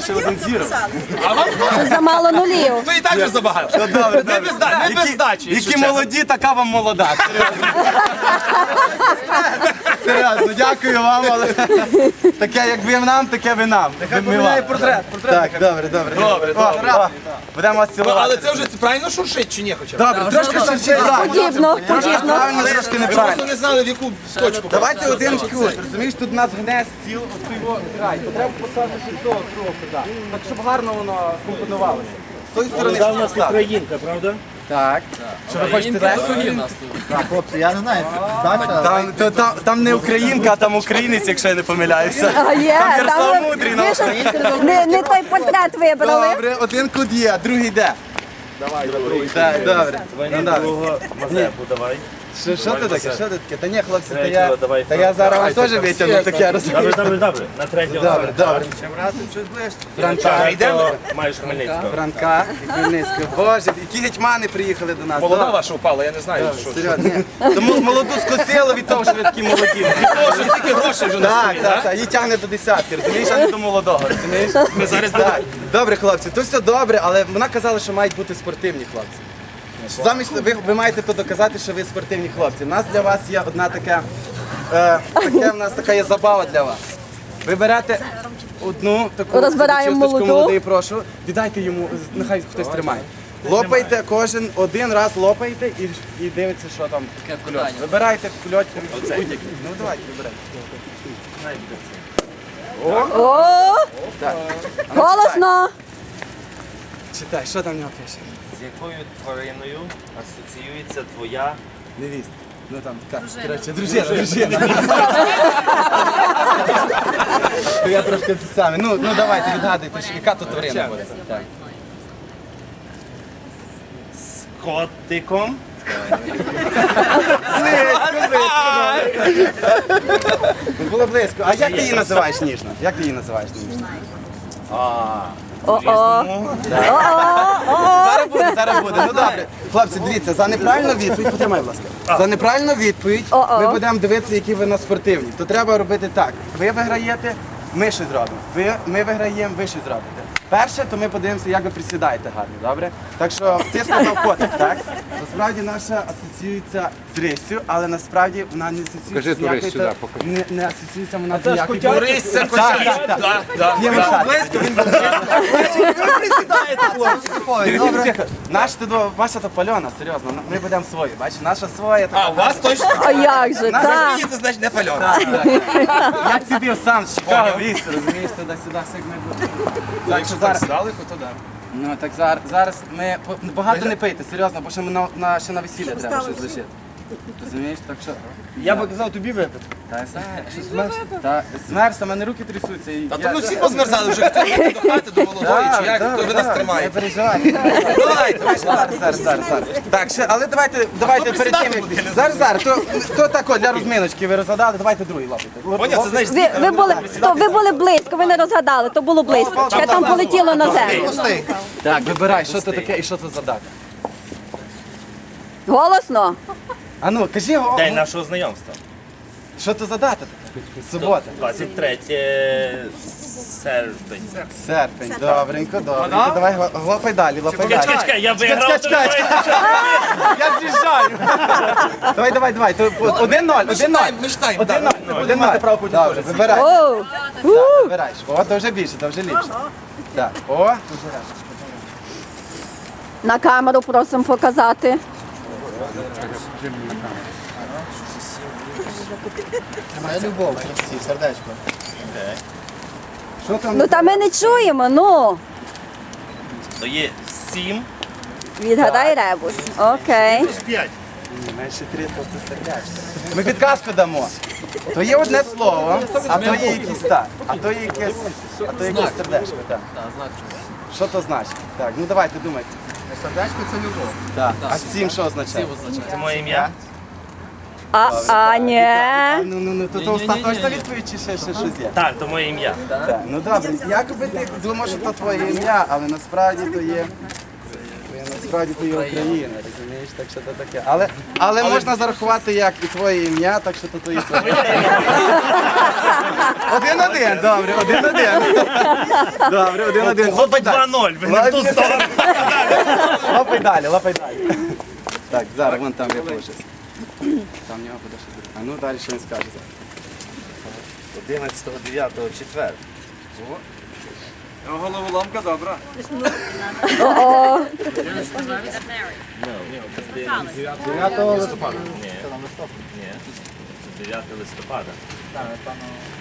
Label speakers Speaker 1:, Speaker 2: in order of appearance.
Speaker 1: ще один зірок.
Speaker 2: А вам
Speaker 3: Замало нулів.
Speaker 2: то і так вже забагато.
Speaker 1: Добре,
Speaker 2: Не без здачі. якщо
Speaker 1: Які
Speaker 2: чесно.
Speaker 1: молоді, така вам молода. Серйозно, дякую вам, але таке, як ви нам, таке ви нам. Нехай поміняє портрет. Так, добре.
Speaker 2: Добре.
Speaker 1: Будемо вас
Speaker 2: Ну,
Speaker 1: цілувати.
Speaker 2: але це вже правильно шуршить чи ні хоча б?
Speaker 1: Добре, трошки швидше.
Speaker 3: Подібно.
Speaker 1: Правильно, трошки
Speaker 2: Ви
Speaker 1: неправильно.
Speaker 2: просто не знали, в яку точку.
Speaker 1: Давайте один кут, розумієш, тут у нас гне стіл, от його край. То треба посадити з того трохи, так. Так, щоб гарно воно компонувалося. З тої сторони
Speaker 4: Вона в нас
Speaker 1: поставити.
Speaker 4: українка, правда?
Speaker 1: Так. Що ви хочете далі?
Speaker 5: Так, хлопці, я не знаю, здача.
Speaker 1: Там не українка, а там українець, якщо я не помиляюся.
Speaker 3: А є,
Speaker 1: Там Ярослав
Speaker 3: там
Speaker 1: Мудрий.
Speaker 3: ви ж не той портрет вибрали.
Speaker 1: Добре, один кут є, другий йде. Давай, так, добре. Ну, добре.
Speaker 4: Другого Мазепу давай.
Speaker 1: Що ти таке? Що ти таке? Та ні, хлопці,
Speaker 4: Третього давай.
Speaker 1: та я зараз вам теж витягну таке, розумієш?
Speaker 4: Добре. На третього.
Speaker 1: Добре. Франка,
Speaker 4: Йдемо. Маєш Хмельницького.
Speaker 1: Франка і Хмельницького. Боже, які гетьмани приїхали до нас.
Speaker 2: Молода ваша упала, я не знаю, що.
Speaker 1: Серйозно, ні. Тому молоду скосили від того, що ви такі молоді.
Speaker 2: Від того, що стільки грошей вже на столі,
Speaker 1: Так, її тягне до десятки, розумієш, а не до молодого, розумієш?
Speaker 2: Ми зараз
Speaker 1: Так. Добре, хлопці, то все добре, але вона казала, що мають бути спортивні хлопці. Замість ви маєте то доказати, що ви спортивні хлопці. У нас для вас є одна така, в нас така є забава для вас. Ви берете одну таку
Speaker 3: Розбираємо
Speaker 1: чисточку
Speaker 3: молоду.
Speaker 1: молодий, прошу, віддайте йому, нехай хтось тримає. Лопайте, кожен один раз лопайте і дивиться, що там в кульоті. Вибирайте в кульоті будь-який. Ну давайте, вибирайте.
Speaker 3: О,
Speaker 1: Так.
Speaker 3: голосно.
Speaker 1: Читай, що там в нього пише?
Speaker 4: З якою твариною асоціюється твоя
Speaker 1: Невіст. Ну там, так, коротше, дружина. То я трошки це саме. Ну давайте, відгадуйте, яка тут тварина буде. Так.
Speaker 4: з котиком?
Speaker 1: Було близько. А як ти її називаєш ніжно? Як ти її називаєш ніжно?
Speaker 3: О-о.
Speaker 1: Зараз буде. Ну добре. Хлопці, дивіться, за неправильну відповідь, потримай, будь ласка. За неправильну відповідь ми будемо дивитися, які ви на спортивні. То треба робити так. Ви виграєте, ми щось зробимо. Ми виграємо, ви щось зробите. Перше, то ми подивимося, як ви присідаєте гарно, добре? Так що ти сказав котик, так? Насправді наша асоціюється з риссю, але насправді вона не асоціюється з ніякою... Не асоціюється вона з ніякою...
Speaker 2: Борис, це котя. Так.
Speaker 1: Є близько, він був близько. Ваша то пальона, серйозно, ми будемо свої, бачиш, наша своя.
Speaker 2: А, у вас точно?
Speaker 3: А як же, так.
Speaker 2: Це значить не пальона.
Speaker 1: Я сидів сам з Чикаго в лісі, розумієш, туди-сюди, все як ми будемо.
Speaker 2: Якщо так здалеку, то так.
Speaker 1: Ну так зараз ми багато не пийте, серйозно, бо ще ще на весілля треба щось лишити. Розумієш, так що...
Speaker 5: Я би казав тобі випити.
Speaker 1: Та що змерз? Та змерз, а в мене руки трясуться.
Speaker 2: Та то ми всі позмерзали вже, хто йде до хати, до молодої, чи як, хто ви нас
Speaker 1: Не
Speaker 2: тримаєте.
Speaker 1: переживайте.
Speaker 2: Давайте.
Speaker 1: Зараз. Так, ще, але давайте перед тим, як... Зараз, то тако, для розминочки ви розгадали, давайте другий лапайте.
Speaker 2: Поняв, це знаєш,
Speaker 3: Ви були близько, ви не розгадали, то було близько. Ще там полетіло на землю.
Speaker 1: Так, вибирай, що це таке і що це за дата.
Speaker 3: Голосно.
Speaker 1: А ну, кажи,
Speaker 4: День нашого знайомства.
Speaker 1: що це за дата? Субота.
Speaker 4: 23 серпень.
Speaker 1: Серпень, добренько. Давай, лопай далі.
Speaker 4: Чекай, я виграв.
Speaker 1: Я з'їжджаю. Давай. 1-0.
Speaker 2: Ми читаємо.
Speaker 1: 1-0. Маєте право потім теж. Вибирай.
Speaker 3: О,
Speaker 1: Так, вибираєш. О, то вже більше, то вже ліпше. Так, о.
Speaker 3: на камеру просимо показати.
Speaker 5: Моя любов, сердечко.
Speaker 1: Що там?
Speaker 3: Ну та ми не чуємо, ну.
Speaker 4: То є 7.
Speaker 3: Відгадай ребус. Окей.
Speaker 4: 5.
Speaker 1: Менше 3, то це сердечко. Ми підказку дамо. То є одне слово, а то є якийсь так. А то є якесь сердечко, так. Що то значить? Так, ну давайте думайте.
Speaker 5: Сердечко це любов.
Speaker 1: Так. А 7 що означає?
Speaker 4: Це моє ім'я.
Speaker 3: Ні.
Speaker 1: Ну, то остаточна відповідь чи ще щось є?
Speaker 4: Так, то моє ім'я.
Speaker 1: Так, ну добре, якоби ти думав, що то твоє ім'я, але насправді то є Україна, розумієш? розумієш, так що то таке. Але можна зарахувати як і твоє ім'я, так що то і твоє. 1-1, добре, 1-1. Добре, 1-1.
Speaker 4: Хлопець 2-0, ви не в ту сторону.
Speaker 1: Лапай далі, лапай далі. Так, зараз вон там я положусь. Там в нього буде щось. А ну далі що він скаже.
Speaker 2: 11.09 четвер.
Speaker 1: Головоломка добра.
Speaker 5: 9 листопада.
Speaker 4: Ні, 9 листопада.